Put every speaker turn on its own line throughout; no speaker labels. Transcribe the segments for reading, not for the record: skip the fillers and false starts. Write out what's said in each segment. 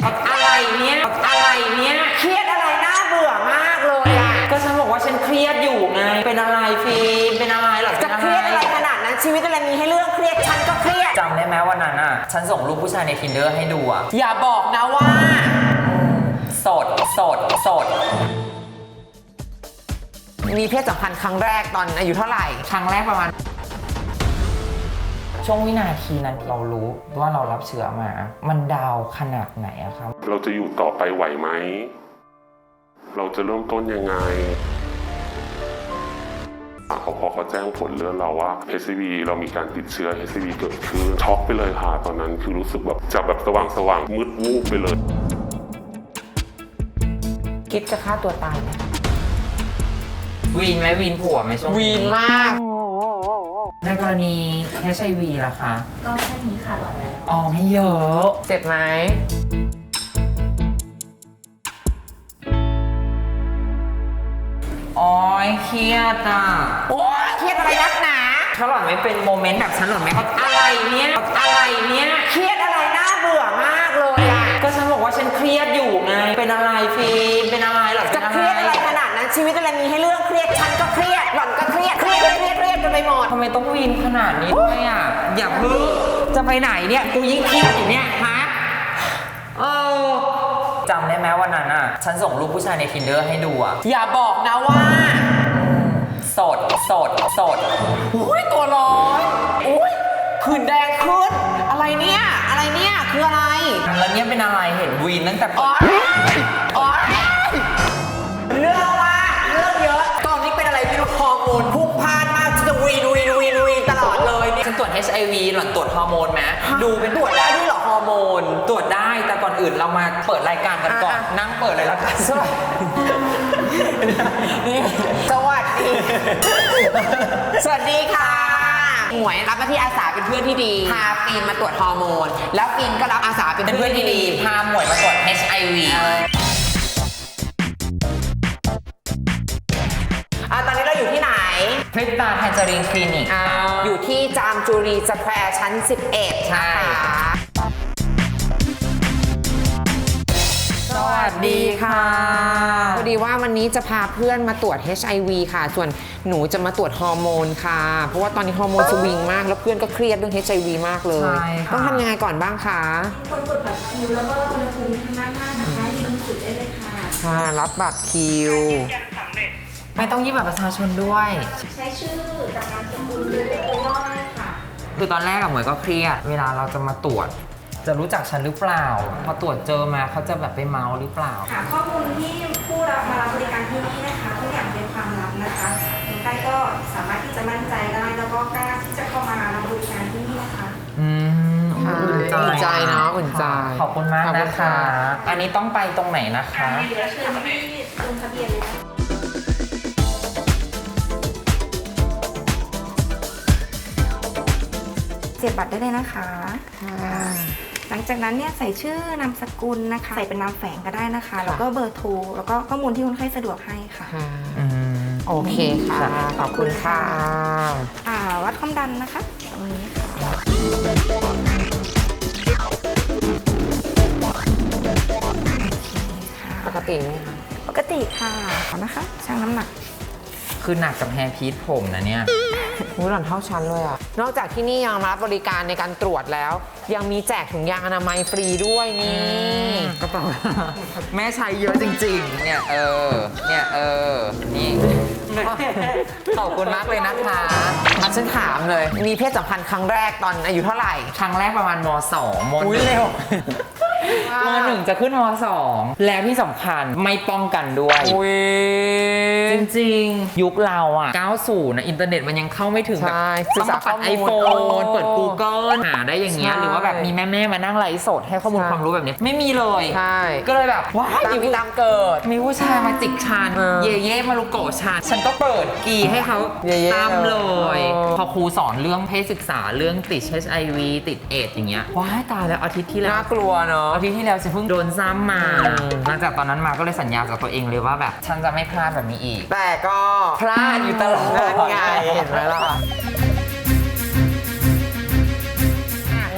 อะไรเนี่ยเครียดอะไรน่าเบื่อมากเลยอ่ะก็ฉันบอกว่าฉันเครียดอยู่ไงเป็นอะไรฟิล์มเป็นอะไรหรอจะเครียดอะไรขนาดนั้นชีวิตอะไรมีให้เรื่องเครียดฉันก็เครียด
จำได้ไหมวันนั้นอ่ะฉันส่งรูปผู้ชายใน Tinder ให้ดูอ่ะ
อย่าบอกนะว่า
โสด
มีเพศสัมพันธ์ครั้งแรกตอนอายุเท่าไหร่
ครั้งแรกประมาณช่วงวินาทีนั้นเรารู้ว่าเรารับเชื้อมามันดาวขนาดไหนอะครับ
เราจะอยู่ต่อไปไหวไหมเราจะเริ่มต้นยังไงพอเขาแจ้งผลเลือดเราว่า HCV เรามีการติดเชื้อ HCV เกิดขึ้นช็อกไปเลยค่ะตอนนั้นคือรู้สึกแบบจากแบบสว่างมืดวูบไปเลย
คิดจะฆ่าตัวตายไหม
วีนไหมวีนผัวไหมช่วง
วีนมาก
ในกรณี HIV ล่ะคะ
ก็แค่นี้ค่ะหลอดแล้ว
อ๋อไม่เยอะ
เจ็บไหม
อ๋อเครียดอ่ะ
โอ๊ยเครียดอะไรนักหนา
ถ้าหล่อนไม่เป็นโมเมนต์แบบฉันหล่อนไม่เข้า
อะไรเนี่ยเครียดอะไรน่าเบื่อมากเลยอ่ะ
ก็ฉันบอกว่าฉันเครียดอยู่ไงเป็นอะไรฟิล์มเป็นอะไรหรอ
จะเครียดอะไรขนาดนั้นชีวิตอะไรมีให้เรื่องเครียดฉันก็เครียดหล่อนก็เครียดกันไปหมด
ทำไมต้องวีนขนาดนี้ด้วยอ่ะอย่าเพิ่งจะไปไหนเนี่ยกูยิ่งเครียดอยู่เนี่ยฮะจำได้ไหมวันนั้นอ่ะฉันส่งรูปผู้ชายใน Tinder ให้ดูอ่ะ
อย่าบอกนะว่า
โสด
อุ้ยตัวร้อนอุ้ยผื่นแดงขึ้นอะไรเนี่ยคืออะไร
แล้วเนี่ยเป็นอะไรเห็นวีนตั้งแต่
อ๋อเรื่องเยอะตอนนี้เป็นอะไรไม่รู้ฮอร์โมนพุ่งพล่านมากจะวีนตลอดเลยเนี่ย
ฉันตรวจ HIV หล่อนตรวจฮอร์โมนไหม
ดูเป็นตรวจได้ด้วยเหรอฮอร์โมน
ตรวจได้แต่ก่อนอื่นเรามาเปิดรายการกันก่อนนั่งเปิดเลยละกัน
สวัสดีค่ะหมวยรับหน้าที่อาสาเป็นเพื่อนที่ดีพาฟีนมาตรวจฮอร์โมนแล้วฟีนก็รับอาสาเป็นเพื่อนที่ดี
พาหมวยมาตรวจ HIV
ตอนนี้เราอยู่ที่ไหน
พริตตาแทนเจอรีนคลินิก
อยู่ที่จามจุรีสแควร์ชั้น 11
ใช่สวัสดีค่ะ
พอดีว่าวันนี้จะพาเพื่อนมาตรวจ HIV ค่ะส่วนหนูจะมาตรวจฮอร์โมนค่ะเพราะว่าตอนนี้ฮอร์โมนสวิงมากแล้วเพื่อนก็เครียดเรื่อง HIV มากเลยต้องทำยังไงก่อนบ้างคะ
กดบัตรคิวแล้วก็อุณหภูมิทางด้านหน้านะคะยืนสุดได้เลยค่ะ
รับบัตรคิว
ไม่ต้องยื่นบัตรประชาชนด้วย
ใช้ชื่อจากนามสกุลหรือตัวย่อได้ค่ะ
คือตอนแรกหมวยก็เครียดเวลาเราจะมาตรวจจะรู้จักฉันหรือเปล่าพอตรวจเจอมาเขาจะแบบไปเมาหรือเปล่า
ค่ะข้อมูลที่ผู้รับมารับบริการที่นี่นะคะทุกอย่างเป็นความลับนะคะคนไข้ก็สามารถที่จะมั่นใจได้แล้วก็กล้าที่จะเข้ามารับบริการที่นี่นะคะ
อุ่นใจเนาะอุ่นใจ
ขอบคุณมากนะคะอันนี้ต้องไปตรงไหนนะคะ
เดี๋ยวเชิญที่ลงทะเบียนเลยเสียบบัตรได้เลยนะคะหลังจากนั้นเนี่ยใส่ชื่อนามสกุลนะคะใส่เป็นนามแฝงก็ได้นะคะแล้วก็เบอร์โทรแล้วก็ข้อมูลที่คนไข้สะดวกให้ค่ะ
โอเคค่ะขอบคุณค่ะ
วัดความดันนะคะตรงนี้ค่ะ
ปกติไหมคะ
ปกติค่ะนะคะชั่งน้ำหนัก
คือหนักกับแฮร์พีทผมนะเนี่ย
หล่อนเท่าชั้นเลยอ่ะนอกจากที่นี่ยังรับบริการในการตรวจแล้วยังมีแจกถุงยางอนามัยฟรีด้วยนี่
กระเป๋าแม่ใช้เยอะจริงๆเนี่ยนี่ขอบคุณมากเลยนะคะ
ฉันถามเลยมีเพศสัมพันธ์ครั้งแรกตอนอายุเท่าไหร่
ครั้งแรกประมาณม.2
อุ้ยเร็ว
ม.1 จะขึ้นม.2 แล้วที่สำคัญไม่ป้องกันด้วยจริงๆยุคเราอ่ะ90นะอินเทอร์เน็ตมันยังเข้าไม่ถึงแบบต้องเปิด iPhone เปิด Google หาได้อย่างเงี้ยหรือว่าแบบมีแม่มานั่งไลฟ์สดให้ข้อมูลความรู้แบบนี้ไม่มีเลยก็เลยแบบว้าว
ตามเกิด
มีผู้ชายมาจิกฉันเย่มารุโกะฉันก็เปิดกีให้เขาตามเลยพอครูสอนเรื่องเพศศึกษาเรื่องติด HIV ติดเอดส์อย่างเงี้ยว้ายตายแล้วอาทิตย์ที่แล้ว
น่ากลัวเนาะ
อาทิตย์ที่แล้วฉันเพิ่งโดนซ้ำมาหลังจากตอนนั้นมาก็เลยสัญญากับตัวเองเลยว่าแบบฉันจะไม่พลาดแบบนี้อีก
แต่ก็
พลาดอยู่ตลอด
ไงเห็นไหมล่ะ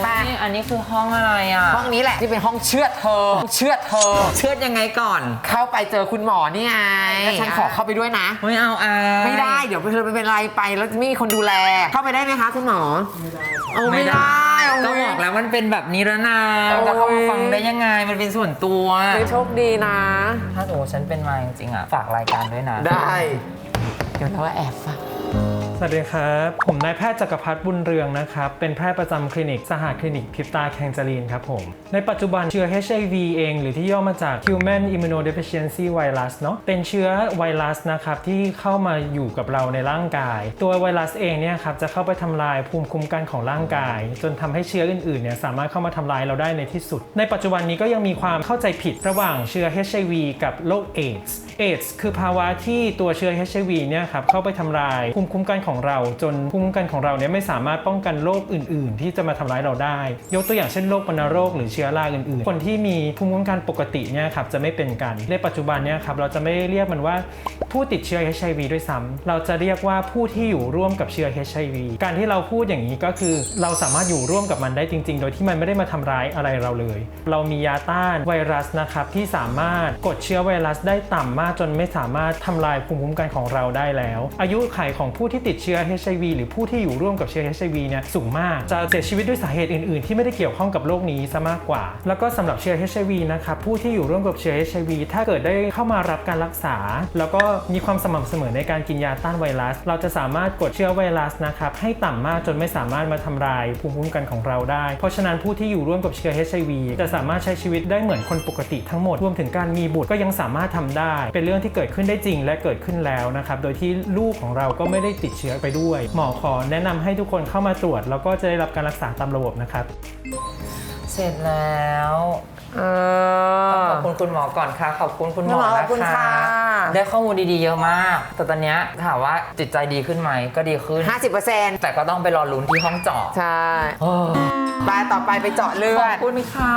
อันนี้คือห้องอะไรอ่ะ
ห้องนี้แหละที่เป็นห้องเชือดเธอ เชือดเธอ
เชือดยังไงก่อน
เข้าไปเจอคุณหมอนี่ไงแล้วฉันขอเข้าไปด้วยนะ
ไม่เอา
ไม่ได้เดี๋ยวเธอเป็นไรไปแล้วไม่มีคนดูแล เข้าไปได้ไหมคะคุณหมอไม่ได้
ก็บอกแล้วมันเป็นแบบนี้แล้วนะจะเข้ามาฟังได้ยังไงมันเป็นส่วนตัว
ไม่โชคดีนะ
ถ้าสมมติฉันเป็นมาจริงๆอ่ะฝากรายการด้วยนะ
ได้ เดี๋ยวเราแอบฟัง
สวัสดีครับ ผมนายแพทย์จักรพัฒน์บุญเรืองนะครับ เป็นแพทย์ประจำคลินิกสหคลินิกพริบตาแคงจารีนครับผม ในปัจจุบันเชื้อ HIV เองหรือที่ย่อมาจาก Human Immunodeficiency Virus เนาะเป็นเชื้อไวรัสนะครับที่เข้ามาอยู่กับเราในร่างกาย ตัวไวรัสเองเนี่ยครับจะเข้าไปทำลายภูมิคุ้มกันของร่างกาย จนทำให้เชื้ออื่นๆเนี่ยสามารถเข้ามาทำลายเราได้ในที่สุด ในปัจจุบันนี้ก็ยังมีความเข้าใจผิดระหว่างเชื้อ HIV กับโรคเอดส์คือภาวะที่ตัวเชื้อ HIV เนี่ยครับเข้าไปทำลายภูมิคุ้มกันของเราจนภูมิคุ้มกันของเราเนี่ยไม่สามารถป้องกันโรคอื่นๆที่จะมาทำร้ายเราได้ยกตัวอย่างเช่นโรควัณโรคหรือเชื้อราอื่นๆคนที่มีภูมิคุ้มกันปกติเนี่ยครับจะไม่เป็นกันในปัจจุบันเนี่ยครับเราจะไม่เรียกมันว่าผู้ติดเชื้อ HIV ด้วยซ้ำเราจะเรียกว่าผู้ที่อยู่ร่วมกับเชื้อ HIV การที่เราพูดอย่างนี้ก็คือเราสามารถอยู่ร่วมกับมันได้จริงๆโดยที่มันไม่ได้มาทำร้ายอะไรเราเลยเรามียาต้านไวรัสนะครับที่สามารถกดเชื้อไวรัสได้ต่ำมากจนไม่สามารถทำลายภูมิคุ้มกันของเราได้แล้วอายุขัยของผู้ที่ติดเชื้อ HIV หรือผู้ที่อยู่ร่วมกับเชื้อ HIV เนี่ยสูงมากจะเสียชีวิตด้วยสาเหตุอื่นๆที่ไม่ได้เกี่ยวข้องกับโรคนี้ซะมากกว่าแล้วก็สำหรับเชื้อ HIV นะครับผู้ที่อยู่ร่วมกับเชื้อ HIV ถ้าเกิดได้เข้ามารับการรักษาแล้วก็มีความสม่ำเสมอในการกินยาต้านไวรัสเราจะสามารถกดเชื้อไวรัสนะครับให้ต่ำมากจนไม่สามารถมาทำลายภูมิคุ้มกันของเราได้เพราะฉะนั้นผู้ที่อยู่ร่วมกับเชื้อ HIV จะสามารถใช้ชีวิตได้เหมือนคนปกติทั้งหมดรวมถึงการมีบุตรก็ยังสามารถทำได้เป็นเรื่องที่เกิดขึ้นได้จริงและเกิดขึ้นแล้วนะครับโดยที่ลูกของเราก็ไม่ได้ติดเชื้อไปด้วยหมอขอแนะนำให้ทุกคนเข้ามาตรวจแล้วก็จะได้รับการรักษาตามระบบนะครับ
เสร็จแล้วขอบคุณคุณหมอก่อนค่ะขอบคุณคุณหมอ
ขอบคุณ
นะ
ค่ะ
คะได้ข้อมูลดีๆเยอะมากแต่ตอนเนี้ยถามว่าจิตใจดีขึ้นไหมก็ดีขึ้น
50%
แต่ก็ต้องไปรอลุ้นที่ห้องเจาะ
ใช่ไปต่อไปไปเจาะเลื
ข
อ
อบ
ด
คุณค่ะ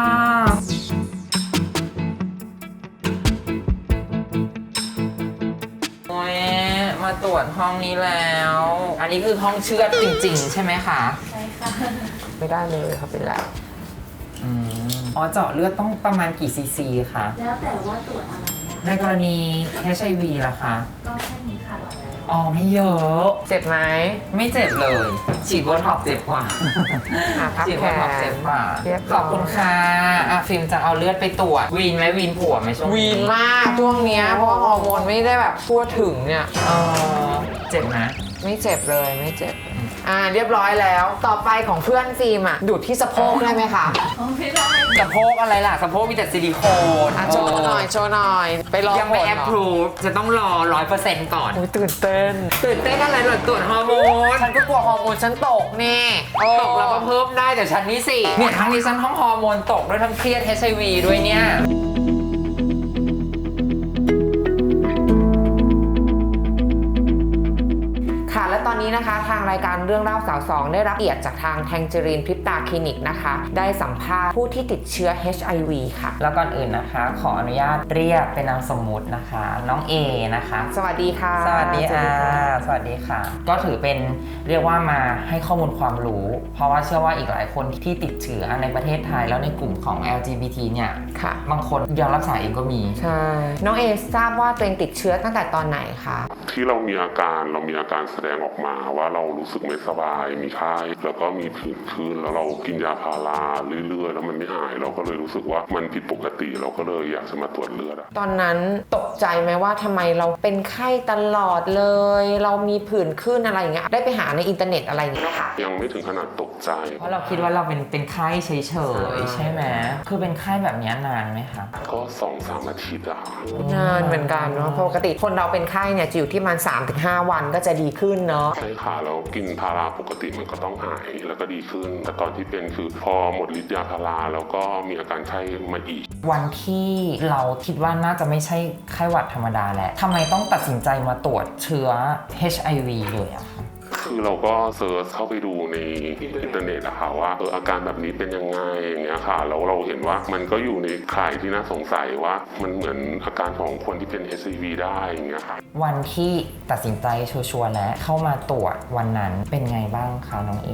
โอ้ยมาตรวจห้องนี้แล้ว อันนี้คือห้องเชือดจริงๆ ใช่ไหมคะ
ไม่ได้เลยครับเป็นแล้ว
อ๋อเจาะเลือดต้องประมาณกี่ซีซีคะ
แล้วแต่ว่าตรวจอะไรนะคะ
ในกรณี HIV ล่ะคะ
ก็แค่นี้ค่ะ
อ๋อไม่เยอะ
เจ็บไหม
ไม่เจ็บเลย ฉีดโบท็อกซ์เจ็บกว่า
พับ
ฉีด
แข
โบท็อกซ์เจ็บ
น
กว่า
เรียบร้อย
ขอบคุณค่ะฟิล์มจะเอาเลือดไปตรวจวีนไหมวีนผัวไหมช่วง
วีนมากช่วงเนี้ยเพราะว่าฮอร์โมนไม่ได้แบบทั่วถึงเนี่ย
เจ็บนะ
ไม่เจ็บเลยไม่เจ็บเรียบร้อยแล้วต่อไปของเพื่อนฟิล์มดูดที่สะโพกได้ไหมคะ
ไม่ได้
สะโพกอะไรล่ะสะโพกมีแต่ซิลิโคน
โชว์หน่อยโชว์หน่อยไปรอ
ยังไม่
ผล
แอ
เห
ป
รอ
พรูฟจะต้องรอ 100% ก่อน
อุ๊ยตื่นเต้น
ตื่นเต้นอะไรหรอตรวจฮอร์โมน
ฉันก็กลัวฮอร์โมนฉันตกนี่
ตกแล้วก็เพิ่มได้แต่ฉันนี่สิเนี่ยทั้งนี้ฉันทั้งฮอร์โมนตกด้วยทั้งเครียด HIV ด้วยเนี่ย
ค่ะและตอนนี้นะคะทางรายการเรื่องเล่าสาวสองได้รับเกียรติจากทางแทงเจอรีนพริบตาคลินิกนะคะได้สัมภาษณ์ผู้ที่ติดเชื้อ HIV ค่ะ
แล้วก่อนอื่นนะคะขออนุญาตเรียกเป็นนามสมมุตินะคะน้องเอนะคะ
สวัสดีค่ะ
สวัสดีค่ะสวัสดีค่ะ ก็ถือเป็นเรียกว่ามาให้ข้อมูลความรู้ เพราะว่าเชื่อว่าอีกหลายคนที่ติดเชื้อในประเทศไทยแล้วในกลุ่มของ LGBT เนี่ย
ค่ะ
บางคนยอมรักษาเองก็มี
ใช่น้องเอทราบว่าตัวเองติดเชื้อตั้งแต่ตอนไหนคะ
ที่เรามีอาการแสดงออกมาว่าเรารู้สึกไม่สบายมีไข้แล้วก็มีผื่นขึ้นแล้วเรากินยาพาราเรื่อยๆแล้วมันไม่หายเราก็เลยรู้สึกว่ามันผิดปกติเราก็เลยอยากจะมาตรวจเลือด
ตอนนั้นตกใจไหมว่าทำไมเราเป็นไข้ตลอดเลย เรามีผื่นขึ้นอะไรอย่างเงี้ยได้ไปหาในอินเทอร์เน็ตอะไรอย่างเงี้ยไหมคะ
ยังไม่ถึงขนาดตกใจ
เพราะเราคิดว่าเราเป็นไข้เฉยๆใช่ไหมคือเป็นไข้แบบนี้นานไหมคะ
ก็2-3 อาทิตย์อะ
นานเหมือนกันเนาะปกติคนเราเป็นไข้เนี่ยจะอยู่ที่มัน 3-5 วันก็จะดีขึ้นเนาะ
ใช่ค่ะแล้วกินพาราปกติมันก็ต้องหายแล้วก็ดีขึ้น แต่ตอนที่เป็นคือพอหมดฤทธิ์ยาพาราแล้วก็มีอาการไข้มาอีก
วันที่เราคิดว่าน่าจะไม่ใช่ไข้หวัดธรรมดาแล้วทำไมต้องตัดสินใจมาตรวจเชื้อ HIV เลยอะคะ
คือเราก็เซิร์ชเข้าไปดูในอินเทอร์เน็ตอะค่ะว่าอาการแบบนี้เป็นยังไงอย่างเงี้ยค่ะแล้วเราเห็นว่ามันก็อยู่ในข่ายที่น่าสงสัยว่ามันเหมือนอาการของคนที่เป็น HIV ได้อย่างเงี้ยค่ะ
วันที่ตัดสินใจชัวร์ๆแล้วเข้ามาตรวจวันนั้นเป็นไงบ้างคะน้องเอ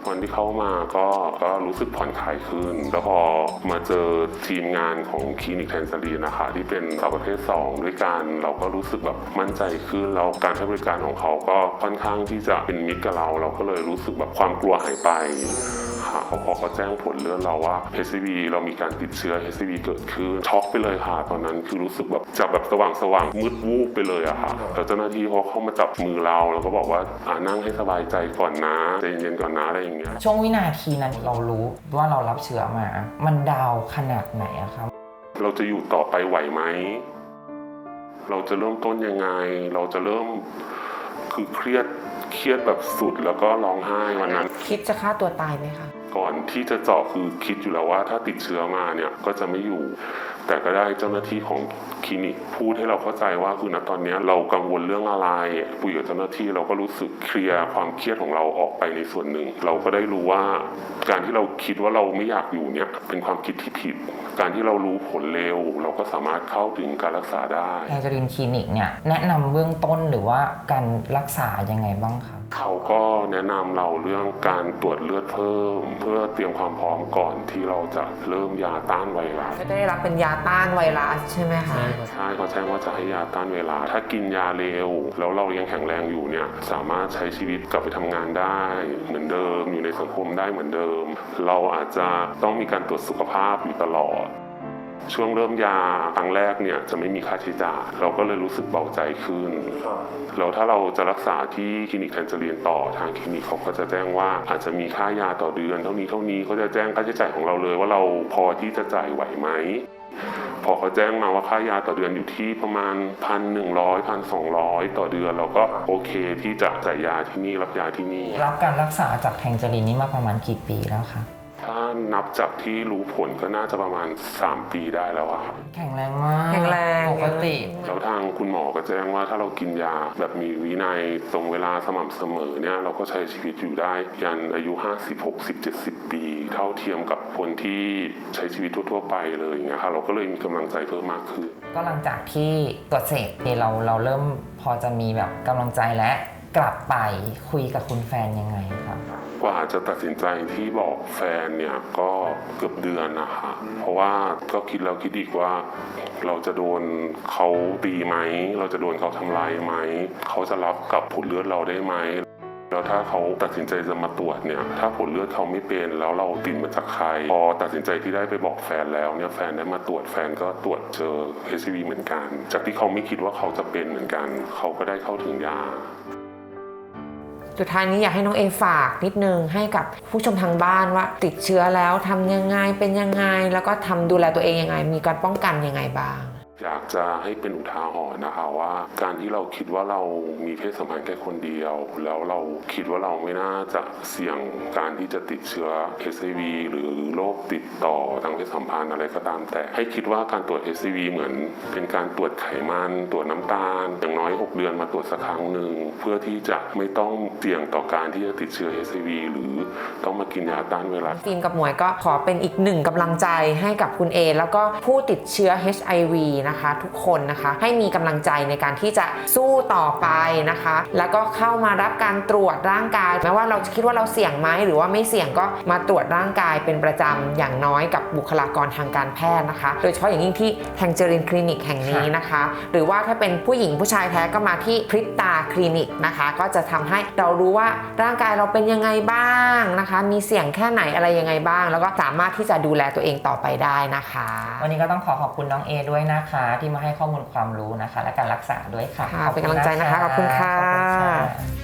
วันที่เข้ามาก็รู้สึกผ่อนคลายขึ้น แล้วพอมาเจอทีมงานของคลินิกแทนซารีนนะคะที่เป็นสาวประเภท2ด้วยกันเราก็รู้สึกแบบมั่นใจขึ้นแล้วการให้บริการของเขาก็ค่อนข้างที่จะเป็นมิตรกับเราก็เลยรู้สึกแบบความกลัวหายไปค่ะพอเขาแจ้งผลเลือดเราว่า HCV เรามีการติดเชื้อ HCV เกิดขึ้นช็อกไปเลยค่ะตอนนั้นคือรู้สึกแบบจะแบบสว่างมืดวูบไปเลยอะค่ะแล้วเจ้าหน้าที่เขาเข้ามาจับมือเราแล้วก็บอกว่านั่งให้สบายใจก่อนนะใจเย็นๆก่อนนะอะไรอย่างเงี้ย
ช่วงวินาทีนั้นเรารู้ว่าเรารับเชื้อมา มันดาวขนาดไหนอะครับ
เราจะอยู่ต่อไปไหวไหมเราจะเริ่มต้นยังไงเราจะเริ่มคือเครียดแบบสุดแล้วก็ร้องไห้วันนั้น
คิดจะฆ่าตัวตายไหมคะ
ก่อนที่จะเจาะคือคิดอยู่แล้วว่าถ้าติดเชื้อมาเนี่ยก็จะไม่อยู่ แต่ก็ได้เจ้าหน้าที่ของคลินิกพูดให้เราเข้าใจว่าคือณตอนนี้เรากังวลเรื่องอะไรคุยกับเจ้าหน้าที่เราก็รู้สึกเคลียร์ความเครียดของเราออกไปในส่วนหนึ่งเราก็ได้รู้ว่าการที่เราคิดว่าเราไม่อยากอยู่เนี่ยเป็นความคิดที่ผิดการที่เรารู้ผลเร็วเราก็สามารถเข้าถึงการรักษาได้
แทนซารีนคลินิกเนี่ยแนะนำเบื้องต้นหรือว่าการรักษายังไงบ้างครับ
เขาก็แนะนำเราเรื่องการตรวจเลือดเพิ่มเพื่อเตรียมความพร้อมก่อนที่เราจะเริ่มยาต้านไวรัส
ก็ได้รับเป็นยาต้านไวรัสใช่ไหมคะ
ใช่เขาแจ้งว่าจะให้ยาต้านไวรัสถ้ากินยาเร็วแล้วเรายังแข็งแรงอยู่เนี่ยสามารถใช้ชีวิตกลับไปทำงานได้เหมือนเดิมอยู่ในสังคมได้เหมือนเดิมเราอาจจะต้องมีการตรวจสุขภาพอยู่ตลอดช่วงเริ่มยาครั้งแรกเนี่ยจะไม่มีค่าใช้จ่ายเราก็เลยรู้สึกเบาใจขึ้นแล้วถ้าเราจะรักษาที่คลินิกแทนซารีนต่อทางคลินิกเขาก็จะแจ้งว่าอาจจะมีค่ายาต่อเดือนเท่านี้เขาจะแจ้งค่าใช้จ่ายของเราเลยว่าเราพอที่จะจ่ายไหวไหมพอเขาแจ้งมาว่าค่ายาต่อเดือนอยู่ที่ประมาณ 1,100 1,200 ต่อเดือนเราก็โอเคที่จะจ่ายยาที่นี่รับยาที่นี่
รับการรักษาจากแทนซารีนนี้มาประมาณกี่ปีแล้วคะ
ถ้านับจากที่รู้ผลก็น่าจะประมาณ3 ปีได้แล้วอะครับ
แข็งแรงมาก
แข็งแรง
ปกติ
แล้วทางคุณหมอก็แจ้งว่าถ้าเรากินยาแบบมีวินัยตรงเวลาสม่ำเสมอเนี่ยเราก็ใช้ชีวิตอยู่ได้ยันอายุ50 60 70 ปีเท่าเทียมกับคนที่ใช้ชีวิตทั่วๆไปเลยอย่างเงี้ยค่ะเราก็เลยมีกำลังใจเพิ่มมากขึ้น
ก็หลังจากที่ตรวจเสร็จเราเริ่มพอจะมีแบบกำลังใจและกลับไปคุยกับคุณแฟนยังไงครับ
กว่าจะตัดสินใจที่บอกแฟนเนี่ยก็เกือบเดือนนะคะเพราะว่าก็คิดแล้วคิดอีกว่าเราจะโดนเขาตีไหมเราจะโดนเขาทำร้ายไหมเขาจะรับกับผลเลือดเราได้ไหมแล้วถ้าเขาตัดสินใจจะมาตรวจเนี่ยถ้าผลเลือดเขาไม่เป็นแล้วเราติดมาจากใครพอตัดสินใจที่ได้ไปบอกแฟนแล้วเนี่ยแฟนได้มาตรวจแฟนก็ตรวจเจอ HCV เหมือนกันจากที่เขาไม่คิดว่าเขาจะเป็นเหมือนกันเขาก็ได้เข้าถึงยา
สุดท้ายนี้อยากให้น้องเอฝากนิดนึงให้กับผู้ชมทางบ้านว่าติดเชื้อแล้วทำยังไงเป็นยังไงแล้วก็ทำดูแลตัวเองยังไงมีการป้องกันยังไงบ้าง
อยากจะให้เป็นอุทาหรณ์นะคะว่าการที่เราคิดว่าเรามีเพศสัมพันธ์แค่คนเดียวแล้วเราคิดว่าเราไม่น่าจะเสี่ยงการที่จะติดเชื้อ HIV หรือโรคติดต่อทางเพศสัมพันธ์อะไรก็ตามแต่ให้คิดว่าการตรวจ HIV เหมือนเป็นการตรวจไขมันตรวจน้ำตาลอย่างน้อย6 เดือนมาตรวจสักครั้งหนึ่งเพื่อที่จะไม่ต้องเสี่ยงต่อการที่จะติดเชื้อ HIV หรือต้องมากินยาต้านไวรัส
ฟิล์มกับหมวยก็ขอเป็นอีกหนึ่งกำลังใจให้กับคุณเอแล้วก็ผู้ติดเชื้อ HIV นะคะทุกคนนะคะให้มีกำลังใจในการที่จะสู้ต่อไปนะคะแล้วก็เข้ามารับการตรวจร่างกายแม้ว่าเราจะคิดว่าเราเสี่ยงไหมหรือว่าไม่เสี่ยงก็มาตรวจร่างกายเป็นประจำอย่างน้อยกับบุคลากรทางการแพทย์นะคะโดยเฉพาะอย่างยิ่งที่แทงเจอรินคลินิกแห่งนี้นะคะหรือว่าถ้าเป็นผู้หญิงผู้ชายแท้ก็มาที่พริตตาคลินิกนะคะก็จะทำให้เรารู้ว่าร่างกายเราเป็นยังไงบ้างนะคะมีเสี่ยงแค่ไหนอะไรยังไงบ้างแล้วก็สามารถที่จะดูแลตัวเองต่อไปได้นะคะ
วันนี้ก็ต้องขอบคุณน้องเอด้วยนะคะที่มาให้ข้อมูลความรู้นะคะและการรักษาด้วยค่ะ
ค่ะเป็นกำลังใจนะคะขอบคุณค่ะ
ขอบคุณค่ะ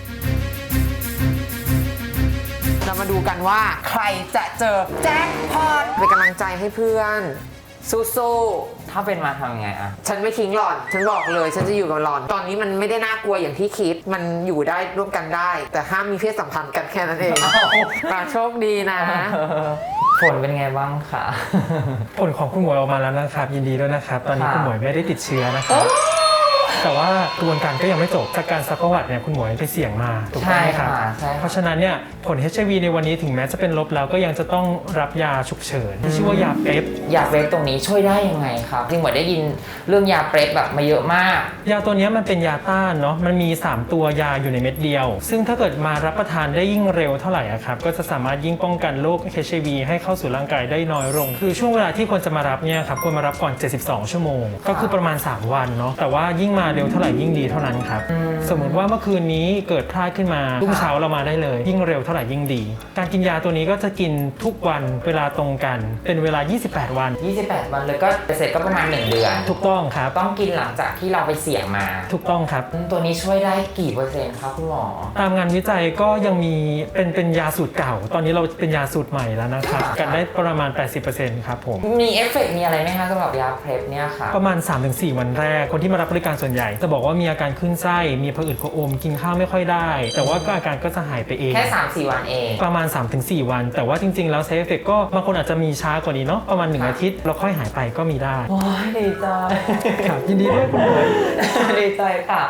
เรามาดูกันว่าใครจะเจอแจ็คพอตเป็นกำลังใจให้เพื่อนสู้ๆ
ถ้าเป็นมาทำยังไงอะ
ฉันไม่ทิ้งหล่อน ฉันบอกเลยฉันจะอยู่กับหล่อน ตอนนี้มันไม่ได้น่ากลัวอย่างที่คิด มันอยู่ได้ร่วมกันได้ แต่ห้ามมีเพศสัมพันธ์กันแค่นั้นเองโชคดีนะ
ผลเป็นไงบ้างคะ
ผลของคุณหมวยออกมาแล้วนะครับยินดีด้วยนะครับตอนนี้คุณหมวยไม่ได้ติดเชื้อนะครับแต่ว่ากระบวนการก็ยังไม่จบจากการซักประวัติเนี่ยคุณหมอยังไปเสี่ยงมาถูกต้องไหมครับ
ใช่ค่ะใช่ค่ะ
เพราะฉะนั้นเนี่ยผล HIV ในวันนี้ถึงแม้จะเป็นลบแล้วก็ยังจะต้องรับยาฉุกเฉินที่ชื่อว่ายาเป๊ป
ยาเปรปตรงนี้ช่วยได้ยังไงครับจริงเหมือนได้ยินเรื่องยาเปรปแบบมาเยอะมาก
ยาตัวนี้มันเป็นยาต้านเนาะมันมี 3 ตัวยาอยู่ในเม็ดเดียว ซึ่งถ้าเกิดมารับประทานได้ยิ่งเร็วเท่าไหร่อะครับก็จะสามารถยิ่งป้องกันโรค HIV ให้เข้าสู่ร่างกายได้น้อยลงคือช่วงเวลาที่ควรจะมารับเนี่ยครับควรมารับก่อน 72 ชั่วโมง ก็คือประมาณ 3 วันเนาะแต่ว่ายิ่งมาเร็วเท่าไหร่ยิ่งดีเท่านั้นครับสมมุติว่าเมื่อคืนนี้เกิดพลาดขึ้นมารุ่งเช้าเรามาได้เลยยิ่งเร็วเท่าไหร่ยิ่งดี การกินยาตัวนี้ก็จะกินทุกวันเวลาตรงกันเป็นเวลา 28 วัน
28 วันเลยก็เสร็จก็ประมาณ 1 เดือน
ถูกต้องครับ
ต้องกินหลังจากที่เราไปเสี่ยงมา
ถูกต้องครับ
ตัวนี้ช่วยได้กี่เปอร์เซ็นต์ครับคุณหมอ
ตามงานวิจัยก็ยังมีเป็นยาสูตรเก่า ตอนนี้เราเป็นยาสูตรใหม่แล้วนะครับกันได้ประมาณ 80%ครับผม
มีเอฟเฟกต์มีอะไรไหมคะสำหรับยาเพลฟเนี่ยค่ะ
ประมาณ 3-4 วันแรกคนที่มารับบริการส่วนใหญ่จะบอกว่ามีอาการขึ้นไส้มีผะอืดผะอมกินข้าวไม่ค่อยได้ แต่ว่าก็อาการก็จะหายไปเอง
แค่ 3-4 วันเอง
ประมาณ 3-4 วัน แต่ว่าจริงๆแล้วเซฟเฟกก็บางคนอาจจะมีช้ากว่านี้เนาะประมาณ 1 อาทิตย์แล้วค่อยหายไปก็มีได้
โอ้ยดีใจ
ครับยินดีด้วยคุณหมอ
ดีใจค่ะ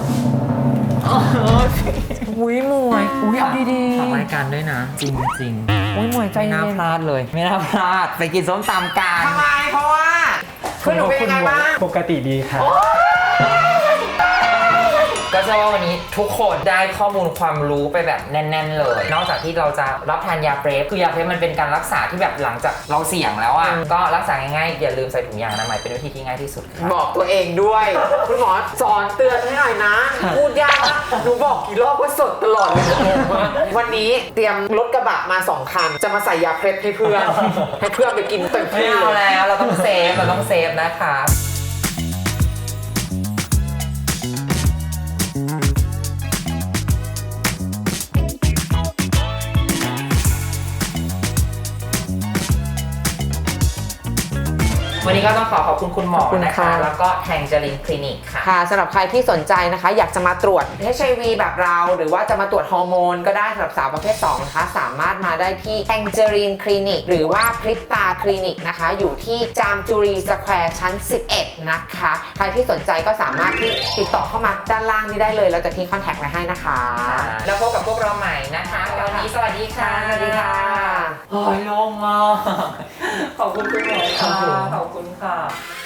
อุ้ยมวยอุ้ยเอาดีๆฝากรายการด้วยนะ จริงๆอุ้ยมวยใจไม่น่าพลาดเลย ไม่น่าพลาดไปกินส้มตำกัน
ทำไมเพราะว่าคือหนูเป็นยังไงบ้าง
ปกติดีครับ
ก็เชื่อว่าวันนี้ทุกคนได้ข้อมูลความรู้ไปแบบแน่นๆเลย นอกจากที่เราจะรับทานยาเปรฟคือยาเปรฟมันเป็นการรักษาที่แบบหลังจากเราเสี่ยงแล้วอ่ะก็รักษาง่ายๆอย่าลืมใส่ถุงยางอนามัยเป็นวิธีที่ง่ายที่สุดครับ
บอกตัวเองด้วย คุณหมอสอนเตือนให้หน่อยนะ พูดยากมากหนูบอกกี่รอบว่าสดตลอดเลยวันนี้เตรียมรถกระบะมา2 คัน จะมาใส่ยาเพล็ดให้เพื่อน ให้เพื่อนไปกินเต็ม
ไม่
ที่
เอา
เลย
แล้วเราต้องเซฟนะคะ วันนี้ก็ต้องขอบคุณคุณหมอนะคะ แล้วก็แทงเจลินคลินิกค่ะ
ค่ะสำหรับใครที่สนใจนะคะ อยากจะมาตรวจ HIV แบบเรา หรือว่าจะมาตรวจฮอร์โมนก็ได้สำหรับสาวประเภท 2 นะคะ สามารถมาได้ที่แองเจลินคลินิกหรือว่าพริตตาคลินิกนะคะ อยู่ที่จามจุรีสแควร์ชั้น 11 นะคะ ใครที่สนใจก็สามารถที่ติดต่อเข้ามาด้านล่างนี้ได้เลย เราจะทิ้งคอนแทคไว้ให้นะคะ
แล้วพบกับพวกเราใหม่นะคะวันนี้สวัสดีค่ะ
สวัสดีค่ะ
โอ้ยโล่งมากขอบคุณคุณหมอค่ะขอบคุณค่ะ